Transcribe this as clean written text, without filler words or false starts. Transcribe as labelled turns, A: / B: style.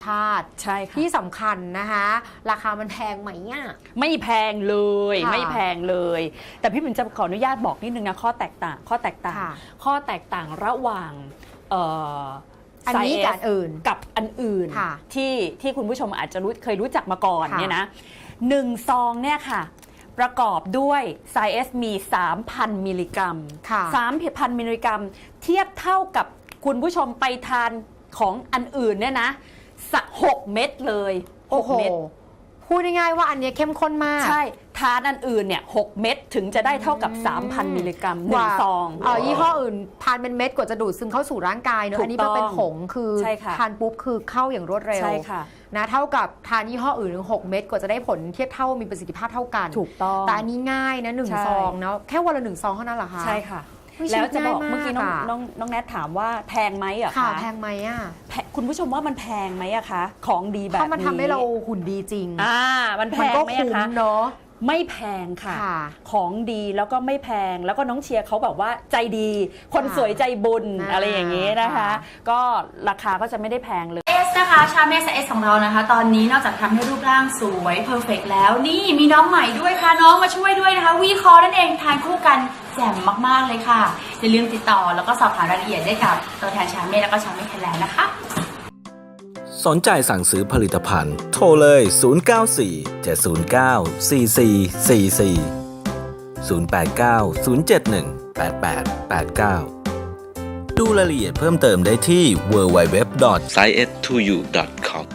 A: ชาติ
B: ใช่ค่ะ
A: ที่สำคัญนะคะราคามันแพงไหมอ่ะ
B: ไม่แพงเลยไม่แพงเลย แต่พี่ปิ่นจะขออนุญาตบอกนิดนึงนะข้อแตกต่างระหว่าง
A: อันนี้กับอื่น
B: กับอันอื่นที่คุณผู้ชมอาจจะเคยรู้จักมาก่อนเนี่ยนะ1 ซองเนี่ยค่ะประกอบด้วยไซเอสมี 3,000 มิลลิกรัม 3,000 มิลลิกรัมเทียบเท่ากับคุณผู้ชมไปทานของอันอื่นเนี่ยนะ6 เม็ดเลย6 เม็ด
A: พูดง่ายๆว่าอันนี้เข้มข้นมาก
B: ใช่ทานอันอื่นเนี่ย6 เม็ดถึงจะได้เท่ากับ 3,000 มิลลิกรัม1 ซอง
A: ยี่ห้ออื่นทานเป็นเม็ดกว่าจะดูดซึมเข้าสู่ร่างกายเนอะอันนี้มันเป็นผงคือทานปุ๊บคือเข้าอย่างรวดเร็วนะเท่ากับทานยี่ห้ออื่นถึง6 เม็ดกว่าจะได้ผลเทียบเท่ามีประสิทธิภาพเท่ากัน
B: ถูกต้อง
A: แต่อันนี้ง่ายนะ1 ซองเนาะแค่วันละ1 ซองเท่านั้นเหรอคะ
B: ใช่ค่ะแล้วจะบอกเมื่อกี้น้องแนทถามว่าแพงไหมอะคะ
A: แพงไหมอะ
B: คุณผู้ชมว่ามันแพงไหมอะคะของดีแบบนี้
A: ถ้ามันทำให้เราหุ่นดีจริง
B: มันแพงไหมคะ
A: เนาะ
B: ไม่แพงค่ะของดีแล้วก็ไม่แพงแล้วก็น้องเชียร์เขาแบบว่าใจดีคนสวยใจบุญอะไรอย่างนี้นะคะก็ราคาก็จะไม่ได้แพงเลย
C: นะคะชาเมสเอสของเรานะคะตอนนี้นอกจากทำให้รูปร่างสวยเพอร์เฟกต์แล้วนี่มีน้องใหม่ด้วยค่ะน้องมาช่วยด้วยนะคะวีคอนั่นเองทานคู่กันแจ่มมากๆเลยค่ะอย่าลืมติดต่อแล้วก็สอบถามรายละเอียดได้กับตัวแทนชาเมสแล้วก็ชาเมสไทยแลนด์นะคะ
D: สนใจสั่งซื้อผลิตภัณฑ์โทรเลย 094-709-4444 089-071-8889 ดูรายละเอียดเพิ่มเติมได้ที่ www.science2u.com